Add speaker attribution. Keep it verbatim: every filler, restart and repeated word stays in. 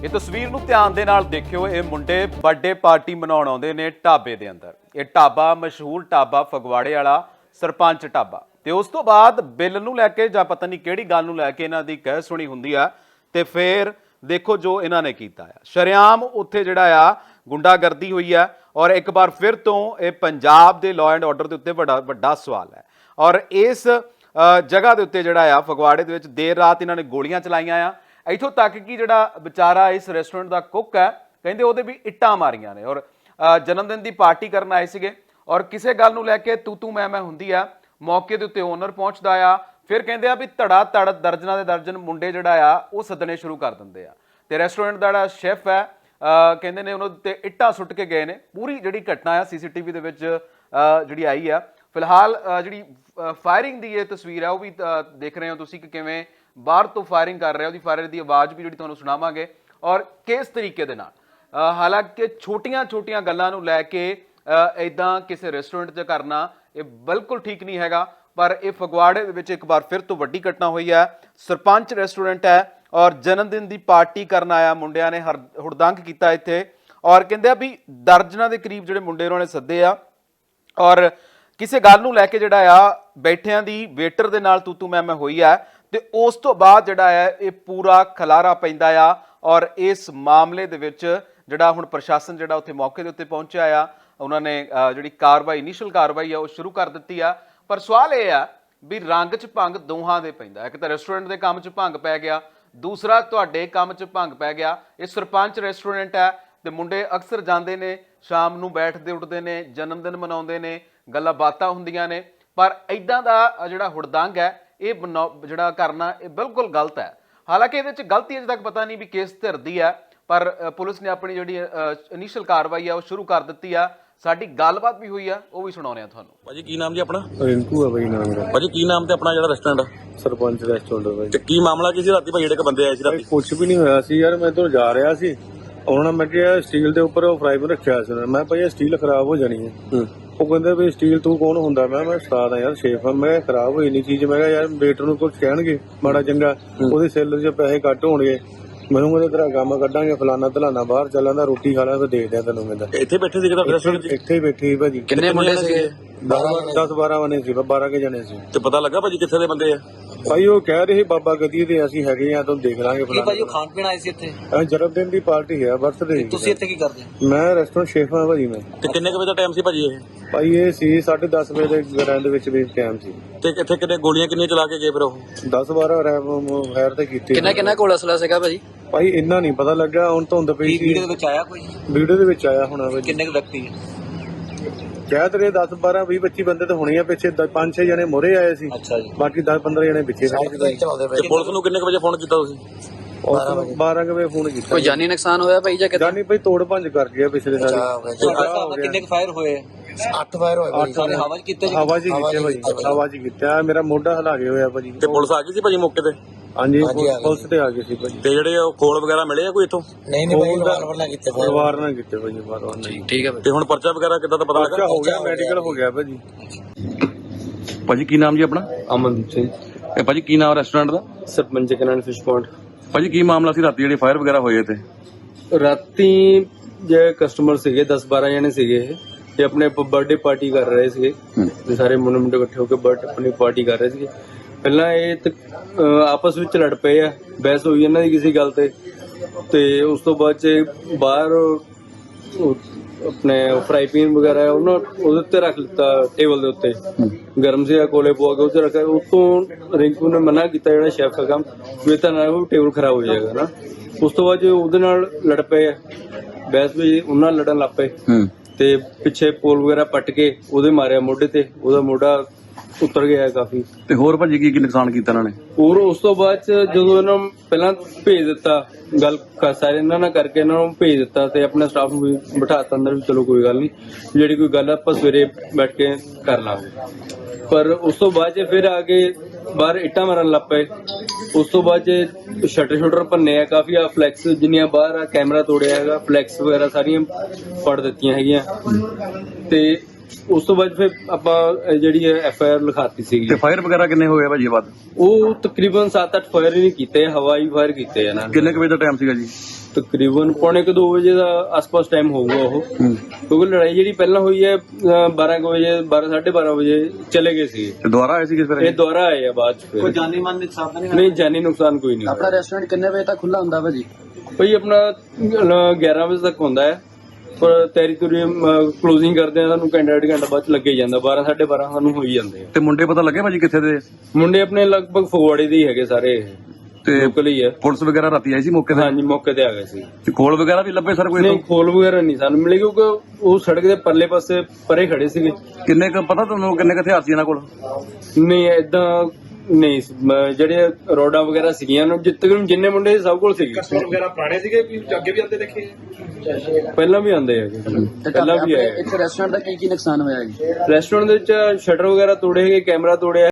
Speaker 1: ਇਹ ਤਸਵੀਰ ਨੂੰ ਧਿਆਨ ਦੇ ਨਾਲ ਦੇਖਿਓ। ਇਹ ਮੁੰਡੇ ਬਰਥਡੇ ਪਾਰਟੀ ਮਨਾਉਣ ਆਉਂਦੇ ਨੇ ਢਾਬੇ ਦੇ ਅੰਦਰ। ਇਹ ਢਾਬਾ ਮਸ਼ਹੂਰ ਢਾਬਾ ਫਗਵਾੜੇ ਵਾਲਾ ਸਰਪੰਚ ਢਾਬਾ, ਤੇ ਉਸ ਤੋਂ ਬਾਅਦ ਬਿੱਲ ਨੂੰ ਲੈ ਕੇ ਜਾਂ ਪਤਾ ਨਹੀਂ ਕਿਹੜੀ ਗੱਲ ਨੂੰ ਲੈ ਕੇ ਇਹਨਾਂ ਦੀ ਕਹਿ ਸੁਣੀ ਹੁੰਦੀ ਆ, ਤੇ ਫਿਰ ਦੇਖੋ ਜੋ ਇਹਨਾਂ ਨੇ ਕੀਤਾ ਆ। ਸ਼ਰੇਆਮ ਉੱਥੇ ਜਿਹੜਾ ਆ ਗੁੰਡਾਗਰਦੀ ਹੋਈ ਆ, ਔਰ ਇੱਕ ਵਾਰ ਫਿਰ ਤੋਂ ਇਹ ਪੰਜਾਬ ਦੇ ਲਾਅ ਐਂਡ ਆਰਡਰ ਦੇ ਉੱਤੇ ਵੱਡਾ ਵੱਡਾ ਸਵਾਲ ਹੈ। ਔਰ ਇਸ ਜਗ੍ਹਾ ਦੇ ਉੱਤੇ ਜਿਹੜਾ ਆ ਫਗਵਾੜੇ ਦੇ ਵਿੱਚ ਦੇਰ ਰਾਤ ਇਹਨਾਂ ਨੇ ਗੋਲੀਆਂ ਚਲਾਈਆਂ ਆ। ਇੱਥੋਂ ਤੱਕ ਕਿ ਜਿਹੜਾ ਵਿਚਾਰਾ ਇਸ ਰੈਸਟੋਰੈਂਟ ਦਾ ਕੁੱਕ ਹੈ, ਕਹਿੰਦੇ ਉਹਦੇ ਵੀ ਇੱਟਾਂ ਮਾਰੀਆਂ ਨੇ। ਔਰ ਜਨਮ ਦਿਨ ਦੀ ਪਾਰਟੀ ਕਰਨ ਆਏ ਸੀਗੇ, ਔਰ ਕਿਸੇ ਗੱਲ ਨੂੰ ਲੈ ਕੇ ਤੂੰ ਤੂੰ ਮੈਂ ਮੈਂ ਹੁੰਦੀ ਆ। ਮੌਕੇ ਦੇ ਉੱਤੇ ਓਨਰ ਪਹੁੰਚਦਾ ਆ, ਫਿਰ ਕਹਿੰਦੇ ਆ ਵੀ ਧੜਾ ਧੜ ਦਰਜਨਾਂ ਦੇ ਦਰਜਨ ਮੁੰਡੇ ਜਿਹੜਾ ਆ ਉਹ ਸੱਦਣੇ ਸ਼ੁਰੂ ਕਰ ਦਿੰਦੇ ਆ। ਤੇ ਰੈਸਟੋਰੈਂਟ ਦਾ ਜਿਹੜਾ ਸ਼ੈਫ ਹੈ ਕਹਿੰਦੇ ਨੇ ਉਹਨਾਂ ਉੱਤੇ ਇੱਟਾਂ ਸੁੱਟ ਕੇ ਗਏ ਨੇ। ਪੂਰੀ ਜਿਹੜੀ ਘਟਨਾ ਆ ਸੀਸੀਟੀਵੀ ਦੇ ਵਿੱਚ ਜਿਹੜੀ ਆਈ ਆ। ਫਿਲਹਾਲ ਜਿਹੜੀ ਫਾਇਰਿੰਗ ਦੀ ਇਹ ਤਸਵੀਰ ਹੈ ਉਹ ਵੀ ਦੇਖ ਰਹੇ ਹੋ ਤੁਸੀਂ ਕਿ ਕਿਵੇਂ ਬਾਹਰ ਤੋਂ ਫਾਇਰਿੰਗ ਕਰ ਰਿਹਾ। ਉਹਦੀ ਫਾਇਰ ਦੀ ਆਵਾਜ਼ ਵੀ ਜਿਹੜੀ ਤੁਹਾਨੂੰ ਸੁਣਾਵਾਂਗੇ, ਔਰ ਕਿਸ ਤਰੀਕੇ ਦੇ ਨਾਲ। ਹਾਲਾਂਕਿ ਛੋਟੀਆਂ ਛੋਟੀਆਂ ਗੱਲਾਂ ਨੂੰ ਲੈ ਕੇ ਇੱਦਾਂ ਕਿਸੇ ਰੈਸਟੋਰੈਂਟ 'ਚ ਕਰਨਾ ਇਹ ਬਿਲਕੁਲ ਠੀਕ ਨਹੀਂ ਹੈਗਾ, ਪਰ ਇਹ ਫਗਵਾੜੇ ਦੇ ਵਿੱਚ ਇੱਕ ਵਾਰ ਫਿਰ ਤੋਂ ਵੱਡੀ ਘਟਨਾ ਹੋਈ ਹੈ। ਸਰਪੰਚ ਰੈਸਟੋਰੈਂਟ ਹੈ, ਔਰ ਜਨਮ ਦਿਨ ਦੀ ਪਾਰਟੀ ਕਰਨ ਆਇਆ ਮੁੰਡਿਆਂ ਨੇ ਹਰ ਹੁੜਦੰਗ ਕੀਤਾ ਇੱਥੇ। ਔਰ ਕਹਿੰਦੇ ਆ ਵੀ ਦਰਜਨਾਂ ਦੇ ਕਰੀਬ ਜਿਹੜੇ ਮੁੰਡੇ ਉਹਨਾਂ ਨੇ ਸੱਦੇ ਆ, ਔਰ ਕਿਸੇ ਗੱਲ ਨੂੰ ਲੈ ਕੇ ਜਿਹੜਾ ਆ ਬੈਠਿਆਂ ਦੀ ਵੇਟਰ ਦੇ ਨਾਲ ਤੂੰ ਤੂੰ ਮੈਂ ਮੈਂ ਹੋਈ ਆ। ਤੇ ਉਸ ਤੋਂ ਬਾਅਦ ਜਿਹੜਾ ਹੈ ਇਹ ਪੂਰਾ ਖਲਾਰਾ ਪੈਂਦਾ ਆ, ਔਰ ਇਸ ਮਾਮਲੇ ਦੇ ਵਿੱਚ ਜਿਹੜਾ ਹੁਣ ਪ੍ਰਸ਼ਾਸਨ ਜਿਹੜਾ ਉੱਥੇ ਮੌਕੇ ਦੇ ਉੱਤੇ ਪਹੁੰਚਿਆ ਆ, ਉਹਨਾਂ ਨੇ ਜਿਹੜੀ ਕਾਰਵਾਈ ਇਨੀਸ਼ੀਅਲ ਕਾਰਵਾਈ ਆ ਉਹ ਸ਼ੁਰੂ ਕਰ ਦਿੱਤੀ ਆ। ਪਰ ਸਵਾਲ ਇਹ ਆ ਵੀ ਰੰਗ 'ਚ ਭੰਗ ਦੋਹਾਂ ਦੇ ਪੈਂਦਾ। ਇੱਕ ਤਾਂ ਰੈਸਟੋਰੈਂਟ ਦੇ ਕੰਮ 'ਚ ਭੰਗ ਪੈ ਗਿਆ, ਦੂਸਰਾ ਤੁਹਾਡੇ ਕੰਮ 'ਚ ਭੰਗ ਪੈ ਗਿਆ। ਇਹ ਸਰਪੰਚ ਰੈਸਟੋਰੈਂਟ ਹੈ, ਤੇ ਮੁੰਡੇ ਅਕਸਰ ਜਾਂਦੇ ਨੇ, ਸ਼ਾਮ ਨੂੰ ਬੈਠਦੇ ਉੱਠਦੇ ਨੇ, ਜਨਮ ਦਿਨ ਮਨਾਉਂਦੇ ਨੇ, ਗੱਲਾਂ ਬਾਤਾਂ ਹੁੰਦੀਆਂ ਨੇ। ਪਰ ਇੱਦਾਂ ਦਾ ਜਿਹੜਾ ਹੁੜਦੰਗ ਹੈ ਇਹ ਜਿਹੜਾ ਕਰਨਾ ਇਹ ਬਿਲਕੁਲ ਗਲਤ ਹੈ। ਹਾਲਾਂਕਿ ਇਹਦੇ 'ਚ ਗਲਤੀ ਅਜੇ ਤੱਕ ਪਤਾ ਨਹੀਂ ਵੀ ਕਿਸ ਧਿਰ ਦੀ ਹੈ, ਪਰ ਪੁਲਿਸ ਨੇ ਆਪਣੀ ਜਿਹੜੀ ਇਨੀਸ਼ੀਅਲ ਕਾਰਵਾਈ ਆ ਉਹ ਸ਼ੁਰੂ ਕਰ ਦਿੱਤੀ ਆ। ਸਾਡੀ ਗੱਲਬਾਤ ਵੀ ਹੋਈ ਆ, ਉਹ ਵੀ ਸੁਣਾਉਂਦੇ ਆ ਤੁਹਾਨੂੰ।
Speaker 2: ਭਾਜੀ ਕੀ ਨਾਮ ਜੀ ਆਪਣਾ?
Speaker 3: ਰਿੰਕੂ ਆ ਭਾਈ ਨਾਮ ਮੇਰਾ।
Speaker 2: ਭਾਜੀ ਕੀ ਨਾਮ ਤੇ ਆਪਣਾ ਜਿਹੜਾ ਰੈਸਟੋਰੈਂਟ?
Speaker 3: ਸਰਪੰਚ ਰੈਸਟੋਰੈਂਟ ਭਾਈ।
Speaker 2: ਤੇ ਕੀ ਮਾਮਲਾ ਕੀ ਸੀ ਰਾਤੀ ਭਾਈ ਜਿਹੜੇ ਕ ਬੰਦੇ ਆਏ ਸੀ ਰਾਤੀ?
Speaker 3: ਕੁਝ ਵੀ ਨਹੀਂ ਹੋਇਆ ਸੀ ਯਾਰ, ਮੈਂ ਤੋਂ ਜਾ ਰਿਹਾ ਸੀ, ਉਹਨਾਂ ਨੇ ਮੈਂ ਕਿਹਾ ਸਟੀਲ ਦੇ ਉੱਪਰ ਉਹ ਫਰਾਈ ਪੈਨ ਰੱਖਿਆ ਸੀ। ਮੈਂ ਭਾਈ ਸਟੀਲ ਖਰਾਬ ਹੋ ਜਾਣੀ ਹੈ। ਉਹ ਕਹਿੰਦੇ ਵੀ ਸਟੀਲ ਤੂੰ ਕੌਣ ਹੁੰਦਾ? ਮੈਂ ਮੈਂ ਉਸਤਾਦ ਆ ਯਾਰ, ਸ਼ੇਫ ਆ। ਮੈਂ ਖਰਾਬ ਹੋਈ ਨਹੀਂ ਚੀਜ਼। ਮੈਂ ਕਿਹਾ ਯਾਰ ਵੇਟਰ ਨੂੰ ਕੁਝ ਕਹਿਣਗੇ ਮਾੜਾ ਚੰਗਾ, ਉਹਦੇ ਸੈਲਰ 'ਚ ਪੈਸੇ ਘੱਟ ਹੋਣਗੇ, ਮੈਨੂੰ ਕਹਿੰਦੇ ਤੇਰਾ ਕੰਮ ਕੱਢਾਂਗੇ ਫਲਾਨਾ ਧਲਾਨਾ, ਬਾਹਰ ਚੱਲਾਂ ਦਾ ਰੋਟੀ ਖਾ ਲਿਆ ਤੇ ਦੇਖਦੇ ਆ ਤੈਨੂੰ। ਕਹਿੰਦਾ
Speaker 2: ਇੱਥੇ ਬੈਠੇ ਸੀ ਕਿਹਦਾ ਰੈਸਟੋਰੈਂਟ?
Speaker 3: ਇੱਥੇ ਹੀ ਬੈਠੀ ਭਾਜੀ।
Speaker 2: ਕਿੰਨੇ ਮੁੰਡੇ ਸੀਗੇ?
Speaker 3: ਦਸ ਬਾਰਾਂ ਬਣੇ ਸੀ, ਬਾਰਾਂ ਕੇ ਜਣੇ ਸੀ।
Speaker 2: ਤੇ ਪਤਾ ਲੱਗਾ ਭਾਜੀ ਕਿੱਥੇ ਦੇ ਬੰਦੇ ਆ?
Speaker 3: ਭਾਈ ਉਹ ਕਹਿ ਰਹੇ ਬਾਬਾ ਗਦੀ ਦੇ ਅਸੀਂ ਹੈਗੇ ਆ, ਤੁਹਾਨੂੰ ਦੇਖ ਲਾਂਗੇ ਫਲਾਨਾ।
Speaker 4: ਭਾਜੀ ਉਹ ਖਾਣ ਪੀਣ ਆਏ ਸੀ ਇੱਥੇ?
Speaker 3: ਜਨਮ ਦਿਨ ਦੀ ਪਾਰਟੀ ਹੈ, ਬਰਥਡੇ।
Speaker 4: ਤੁਸੀਂ ਇੱਥੇ ਕੀ ਕਰਦੇ?
Speaker 3: ਮੈਂ ਰੈਸਟੋਰੈਂਟ ਸ਼ੇਫ ਹਾਂ ਭਾਜੀ। ਮੈਂ
Speaker 2: ਤੇ ਕਿੰਨੇ ਕੁ ਵਜੇ ਦਾ ਟਾਈਮ ਸੀ ਭਾਜੀ ਇਹ?
Speaker 3: ਭਾਈ ਇਹ ਸੀ ਸਾਢੇ ਦਸ ਵਜੇ ਦੇ ਗਰਾਂ ਦੇ ਵਿੱਚ ਵੀ ਟਾਈਮ ਸੀ।
Speaker 2: ਤੇ ਕਿੱਥੇ ਕਿੰਨੇ ਗੋਲੀਆਂ ਕਿੰਨੀਆਂ ਚਲਾ ਕੇ ਗਏ ਫਿਰ ਉਹ?
Speaker 3: ਦਸ ਬਾਰਾਂ ਫਾਇਰ ਤੇ ਕੀਤੇ।
Speaker 4: ਕਿੰਨਾ ਕਿੰਨਾ ਕੋਲ ਅਸਲਾ ਸੀਗਾ ਭਾਜੀ?
Speaker 3: ਭਾਈ ਇੰਨਾ ਨਹੀਂ ਪਤਾ ਲੱਗਾ, ਹੁਣ ਧੁੰਦ ਪਈ ਸੀ।
Speaker 4: ਵੀਡੀਓ ਦੇ ਵਿੱਚ ਆਇਆ ਕੋਈ?
Speaker 3: ਵੀਡੀਓ ਦੇ ਵਿੱਚ ਆਇਆ ਹੋਣਾ ਭਾਜੀ।
Speaker 4: ਕਿੰਨੇ ਕੁ ਵਿਅਕਤੀ?
Speaker 3: ਕਹਿ ਤੇਰੇ ਦਸ ਬਾਰਾਂ ਵੀਹ ਪੱਚੀ ਬੰਦੇ ਤਾਂ ਹੋਣੇ ਆ। ਪਿੱਛੇ ਪੰਜ ਛੇ ਜਣੇ ਮੋਰੇ ਆਏ ਸੀ,
Speaker 4: ਅੱਛਾ ਜੀ।
Speaker 3: ਬਾਕੀ ਦਸ ਪੰਦਰਾਂ ਜਣੇ ਪਿੱਛੇ ਖੜੇ ਸੀ।
Speaker 2: ਤੇ ਪੁਲਿਸ ਨੂੰ ਕਿੰਨੇ ਕੁ ਵਜੇ ਫੋਨ ਕੀਤਾ ਤੁਸੀਂ?
Speaker 3: ਬਾਰਾਂ ਵਜੇ ਫੋਨ ਕੀਤਾ।
Speaker 4: ਕੋਈ ਜਾਨੀ ਨੁਕਸਾਨ ਹੋਇਆ ਭਾਈ ਜਾਂ ਕਿਦਾਂ?
Speaker 3: ਜਾਨੀ ਭਾਈ ਤੋੜ ਭੰਜ ਕਰ ਗਿਆ ਪਿਛਲੇ ਸਾਲ।
Speaker 4: ਕਿੰਨੇ ਕੁ ਫਾਇਰ ਹੋਏ?
Speaker 3: ਅੱਠ ਫਾਇਰ ਹੋਏ।
Speaker 4: ਸਾਰੇ ਹਵਾ 'ਚ ਕੀਤੇ ਜੀ?
Speaker 3: ਹਵਾ 'ਚ ਕੀਤੇ ਭਾਜੀ, ਹਵਾ 'ਚ ਕੀਤਾ। ਮੇਰਾ ਮੋਢਾ ਹਿਲਾ ਕੇ ਹੋਇਆ ਭਾਜੀ।
Speaker 2: ਤੇ ਪੁਲਿਸ ਆ ਗਈ ਸੀ ਭਾਜੀ ਮੌਕੇ ਤੇ?
Speaker 3: ਹਾਂਜੀ ਪੁਲਿਸ ਤੇ ਆ ਗਏ ਸੀ ਭਾਜੀ।
Speaker 2: ਤੇ ਜਿਹੜੇ ਉਹ ਖੋਲ ਵਗੈਰਾ ਮਿਲੇ ਆ ਕੋਈ ਇੱਥੋਂ?
Speaker 4: ਨਹੀਂ ਨਹੀਂ ਭਾਈ ਵਾਰ ਨਾ ਕੀਤੇ
Speaker 3: ਪਰਿਵਾਰ ਨਾਲ ਕੀਤੇ ਭਾਜੀ, ਪਰਿਵਾਰ ਨਾਲ।
Speaker 4: ਠੀਕ ਹੈ।
Speaker 2: ਤੇ ਹੁਣ ਪਰਚਾ ਵਗੈਰਾ ਕਿੱਦਾਂ ਦਾ ਪਤਾ ਲੱਗਾ?
Speaker 3: ਹੋ ਗਿਆ, ਮੈਡੀਕਲ ਹੋ ਗਿਆ ਭਾਜੀ।
Speaker 2: ਭਾਜੀ ਕੀ ਨਾਮ ਜੀ ਆਪਣਾ?
Speaker 5: ਅਮਨਦੀਪ ਸਿੰਘ।
Speaker 2: ਇਹ ਭਾਜੀ ਕੀ ਨਾਮ ਰੈਸਟੋਰੈਂਟ ਦਾ?
Speaker 5: Sarpanch Kanan fish point.
Speaker 2: ਭਾਜੀ ਕੀ ਮਾਮਲਾ ਸੀ ਰਾਤੀ ਜਿਹੜੇ ਫਾਇਰ ਵਗੈਰਾ ਹੋਏ ਤੇ?
Speaker 5: ਰਾਤੀ ਜੇ ਕਸਟਮਰ ਸੀਗੇ ਦਸ ਬਾਰਾਂ ਜਣੇ ਸੀਗੇ, ਇਹ ਆਪਣੇ ਬਰਥਡੇ ਪਾਰਟੀ ਕਰ ਰਹੇ ਸੀਗੇ। ਤੇ ਸਾਰੇ ਮੁੰਡੇ ਮੁੰਡੇ ਇਕੱਠੇ ਹੋ ਕੇ ਬਰਥਡੇ ਆਪਣੀ ਪਾਰਟੀ ਕਰ ਰਹੇ ਸੀਗੇ। ਪਹਿਲਾਂ ਇਹ ਆਪਸ ਵਿੱਚ ਲੜ ਪਏ ਆ, ਬਹਿਸ ਹੋਈ ਇਹਨਾਂ ਦੀ ਕਿਸੇ ਗੱਲ ਤੇ। ਤੇ ਉਸ ਤੋਂ ਬਾਅਦ ਚ ਬਾਹਰ ਆਪਣੇ ਫਰਾਈ ਪੈਨ ਵਗੈਰਾ ਉਹਨਾਂ ਉਹਦੇ ਉੱਤੇ ਰੱਖ ਲਿੱਤਾ, ਟੇਬਲ ਦੇ ਉੱਤੇ ਗਰਮ ਸੀ ਕੋਲੇ ਪਵਾ ਕੇ ਉੱਤੇ ਰੱਖਿਆ। ਉਤੋਂ ਰਿੰਕੂ ਨੇ ਮਨਾ ਕੀਤਾ ਜਿਹੜਾ ਸ਼ੈਫ ਦਾ ਕੰਮ, ਵੀ ਤਾਂ ਨਾ ਉਹ ਟੇਬਲ ਖਰਾਬ ਹੋ ਜਾਏਗਾ ਨਾ। ਉਸ ਤੋਂ ਬਾਅਦ ਉਹਦੇ ਨਾਲ ਲੜ ਪਏ ਆ, ਬਹਿਸ ਵੀ ਉਹਨਾਂ ਨਾਲ ਲੜਨ ਲੱਗ ਪਏ। ਤੇ ਪਿੱਛੇ ਪੋਲ ਵਗੈਰਾ ਪੱਟ ਕੇ ਉਹਦੇ ਮਾਰਿਆ ਮੋਢੇ ਤੇ, ਉਹਦਾ ਮੋਢਾ ਉਤਰ ਗਿਆ ਕਾਫੀ।
Speaker 2: ਤੇ ਹੋਰ ਭਾਜੀ ਕੀ ਕੀ ਨੁਕਸਾਨ ਕੀਤਾ ਇਹਨਾਂ ਨੇ?
Speaker 5: ਹੋਰ ਉਸ ਤੋਂ ਬਾਅਦ ਚ ਜਦੋਂ ਇਹਨਾਂ ਨੂੰ ਪਹਿਲਾਂ ਭੇਜ ਦਿੱਤਾ, ਗੱਲ ਸਾਰੇ ਇਹਨਾਂ ਨਾਲ ਕਰਕੇ ਇਹਨਾਂ ਨੂੰ ਭੇਜ ਦਿੱਤਾ ਤੇ ਆਪਣੇ ਸਟਾਫ ਨੂੰ ਵੀ ਬਿਠਾਤਾ ਅੰਦਰ ਵੀ ਚਲੋ ਕੋਈ ਗੱਲ ਨਹੀਂ, ਜਿਹੜੀ ਕੋਈ ਗੱਲ ਆਪਾਂ ਸਵੇਰੇ ਬੈਠ ਕੇ ਕਰ ਲਾਂਗੇ। ਪਰ ਉਸ ਤੋਂ ਬਾਅਦ ਚ ਫਿਰ ਆ ਕੇ ਬਾਹਰ ਇੱਟਾਂ ਮਾਰਨ ਲੱਗ ਪਏ। ਉਸ ਤੋਂ ਬਾਅਦ ਚ ਸ਼ਟਰ ਸ਼ਟਰ ਭੰਨੇ ਆ ਕਾਫੀ, ਆ ਫਲੈਕਸ ਜਿੰਨੀਆਂ ਬਾਹਰ ਆ, ਕੈਮਰਾ ਤੋੜਿਆ ਹੈਗਾ, ਫਲੈਕਸ ਵਗੈਰਾ ਸਾਰੀਆਂ ਫੜ ਦਿੱਤੀਆਂ ਹੈਗੀਆਂ। ਤੇ ਉਸ ਤੋਂ ਬਾਅਦ ਫਿਰ ਆਪਾਂ ਇਹ ਜਿਹੜੀ ਐਫ ਆਈ ਆਰ ਲਿਖਾਤੀ ਸੀਗੀ
Speaker 2: ਤੇ ਫਾਇਰ ਵਗੈਰਾ ਕਿੰਨੇ ਹੋਏ ਆ ਭਾਜੀ ਇਹ ਬਾਅਦ
Speaker 5: ਉਹ ਤਕਰੀਬਨ ਸੱਤ ਅੱਠ ਫਾਇਰ ਹੀ ਨਹੀਂ ਕੀਤੇ, ਹਵਾਈ ਫਾਇਰ ਕੀਤੇ ਆ ਨਾ।
Speaker 2: ਕਿੰਨੇ ਕੁ ਵਜੇ ਦਾ ਟਾਈਮ ਸੀਗਾ ਜੀ?
Speaker 5: ਤਕਰੀਬਨ ਪੌਣੇ ਕੁ ਦੋ ਵਜੇ ਦਾ ਆਸ-ਪਾਸ ਟਾਈਮ ਹੋਊਗਾ ਉਹ, ਕਿਉਂਕਿ ਲੜਾਈ ਜਿਹੜੀ ਪਹਿਲਾਂ ਹੋਈ ਹੈ ਬਾਰਾਂ ਕੁ ਵਜੇ ਬਾਰਾਂ ਸਾਢੇ ਬਾਰਾਂ ਵਜੇ ਚਲੇ ਗਏ ਸੀ।
Speaker 2: ਤੇ ਦੁਬਾਰਾ ਆਏ ਸੀ ਕਿਸ ਤਰ੍ਹਾਂ?
Speaker 5: ਇਹ ਦੁਬਾਰਾ ਆਏ ਆ ਬਾਅਦ ਚ ਫਿਰ।
Speaker 4: ਕੋਈ ਜਾਨੀ ਮਾਨ ਨੁਕਸਾਨ ਤਾਂ ਨਹੀਂ
Speaker 5: ਨਹੀਂ, ਜਾਨੀ ਨੁਕਸਾਨ ਕੋਈ ਨਹੀਂ
Speaker 4: ਆਪਣਾ ਰੈਸਟੋਰੈਂਟ ਕਿੰਨੇ ਵਜੇ ਤੱਕ ਖੁੱਲਾ ਹੁੰਦਾ ਭਾਜੀ?
Speaker 5: ਭਾਈ ਆਪਣਾ ਗਿਆਰਾਂ ਵਜੇ ਤੱਕ ਹੁੰਦਾ ਹੈ, ਪਰ ਤੇਰੀ ਤੁਰੀ ਕਲੋਜ਼ਿੰਗ ਕਰਦੇ ਆ ਸਾਨੂੰ ਘੰਟਾ ਡੇਢ ਘੰਟਾ ਬਾਅਦ ਚ ਲੱਗੇ ਜਾਂਦਾ, ਬਾਰਾਂ ਸਾਢੇ ਬਾਰਾਂ ਸਾਨੂੰ ਹੋ ਹੀ ਜਾਂਦੇ ਆ।
Speaker 2: ਤੇ ਮੁੰਡੇ ਪਤਾ ਲੱਗੇ ਭਾਜੀ ਕਿੱਥੇ ਦੇ?
Speaker 5: ਮੁੰਡੇ ਆਪਣੇ ਲਗਭਗ ਫਗਵਾੜੇ ਦੇ ਹੀ ਹੈਗੇ ਸਾਰੇ,
Speaker 2: ਤੇ
Speaker 5: ਲੋਕਲ ਹੀ ਹੈ।
Speaker 2: ਪੁਲਿਸ ਵਗੈਰਾ ਰਾਤੀ ਆਈ ਸੀ ਮੌਕੇ ਤੇ?
Speaker 5: ਹਾਂਜੀ, ਮੌਕੇ ਤੇ ਆ ਗਏ ਸੀ।
Speaker 2: ਤੇ ਖੋਲ ਵਗੈਰਾ ਵੀ ਲੱਭੇ ਸਰ ਕੋਈ?
Speaker 5: ਨਹੀਂ, ਖੋਲ ਵਗੈਰਾ ਨਹੀਂ ਸਾਨੂੰ ਮਿਲੇ, ਕਿਉਂਕਿ ਉਹ ਸੜਕ ਦੇ ਪਰਲੇ ਪਾਸੇ ਪਰੇ ਖੜੇ ਸੀਗੇ।
Speaker 2: ਕਿੰਨੇ ਕੁ ਪਤਾ ਤੁਹਾਨੂੰ ਕਿੰਨੇ ਕੁ ਹਥਿਆਰ ਸੀ ਇਹਨਾਂ ਕੋਲ?
Speaker 5: ਨਹੀਂ, ਏਦਾਂ ਨਹੀਂ ਸੀ। ਮ- ਜਿਹੜੇ ਰੋਡਾਂ ਵਗੈਰਾ ਸੀਗੀਆਂ ਨਾ, ਜਿੱਤ ਤੱਕ ਜਿੰਨੇ ਮੁੰਡੇ ਸੀ, ਸਭ ਕੋਲ ਸੀਗੇ।
Speaker 6: ਕਸਟਮਰ ਵਗੈਰਾ ਪੁਰਾਣੇ ਸੀਗੇ ਕਿ ਅੱਗੇ ਵੀ ਆਉਂਦੇ ਦੇਖੇ?
Speaker 5: ਪਹਿਲਾਂ ਵੀ ਆਉਂਦੇ ਹੈਗੇ, ਪਹਿਲਾਂ ਵੀ ਆਏ।
Speaker 4: ਇੱਕ ਰੈਸਟੋਰੈਂਟ ਦਾ ਕੀ ਕੀ ਨੁਕਸਾਨ ਹੋਇਆ ਜੀ?
Speaker 5: ਰੈਸਟੋਰੈਂਟ ਦੇ ਵਿੱਚ ਸ਼ਟਰ ਵਗੈਰਾ ਤੋੜੇ ਹੈਗੇ, ਕੈਮਰਾ ਤੋੜਿਆ।